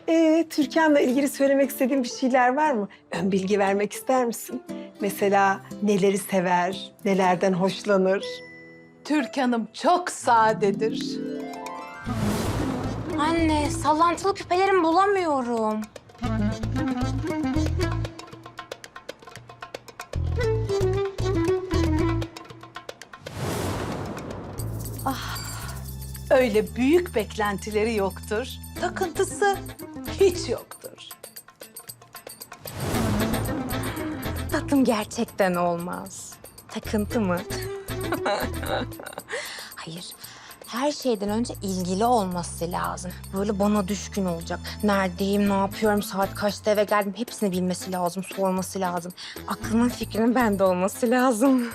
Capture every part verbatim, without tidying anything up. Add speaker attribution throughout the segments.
Speaker 1: Ee, Türkan'la ilgili söylemek istediğin bir şeyler var mı? Ön bilgi vermek ister misin? Mesela neleri sever, nelerden hoşlanır?
Speaker 2: Türkan'ım çok sadedir.
Speaker 3: Anne, sallantılı küpelerimi bulamıyorum.
Speaker 2: Öyle büyük beklentileri yoktur. Takıntısı hiç yoktur.
Speaker 3: Tatlım gerçekten olmaz. Takıntı mı? Hayır. Her şeyden önce ilgili olması lazım. Böyle bana düşkün olacak. Neredeyim, ne yapıyorum, saat kaçta eve geldim hepsini bilmesi lazım, sorması lazım. Aklının fikrinin bende olması lazım.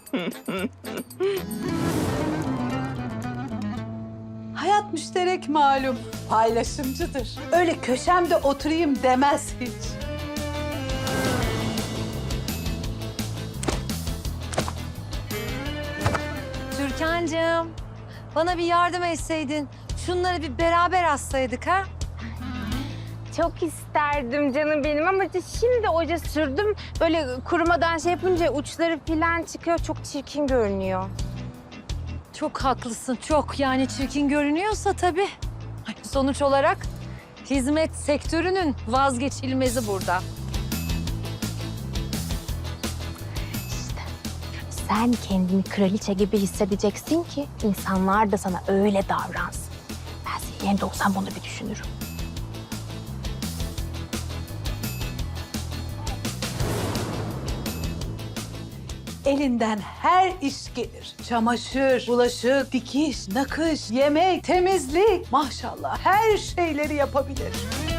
Speaker 2: Hayat müşterek malum, paylaşımcıdır. Öyle köşemde oturayım demez hiç.
Speaker 4: Türkan'cığım, bana bir yardım etseydin. Şunları bir beraber assaydık ha?
Speaker 3: Çok isterdim canım benim ama işte şimdi oje sürdüm. Böyle kurumadan şey yapınca uçları falan çıkıyor. Çok çirkin görünüyor.
Speaker 4: Çok haklısın, çok. Yani çirkin görünüyorsa tabii. Sonuç olarak hizmet sektörünün vazgeçilmezi burada.
Speaker 3: Sen kendini kraliçe gibi hissedeceksin ki insanlar da sana öyle davransın. Ben senin yerinde olsam bunu bir düşünürüm.
Speaker 2: Elinden her iş gelir. Çamaşır, bulaşık, dikiş, nakış, yemek, temizlik. Maşallah her şeyleri yapabilir.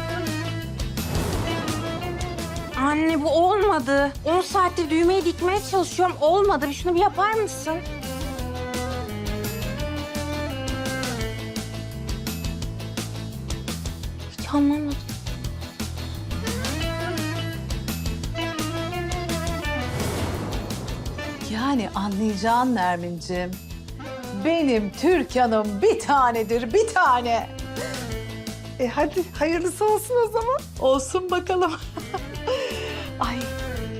Speaker 3: Anne bu olmadı. on saattir düğmeyi dikmeye çalışıyorum. Olmadı. Bir şunu bir yapar mısın? Hiç anlamadım.
Speaker 2: Yani anlayacağın Nermin'cim. Benim Türkan'ım bir tanedir, bir tane.
Speaker 1: E hadi hayırlısı olsun o zaman.
Speaker 2: Olsun bakalım. Ay,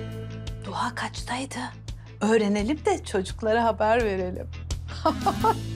Speaker 2: Doğa kaçtaydı? Öğrenelim de çocuklara haber verelim.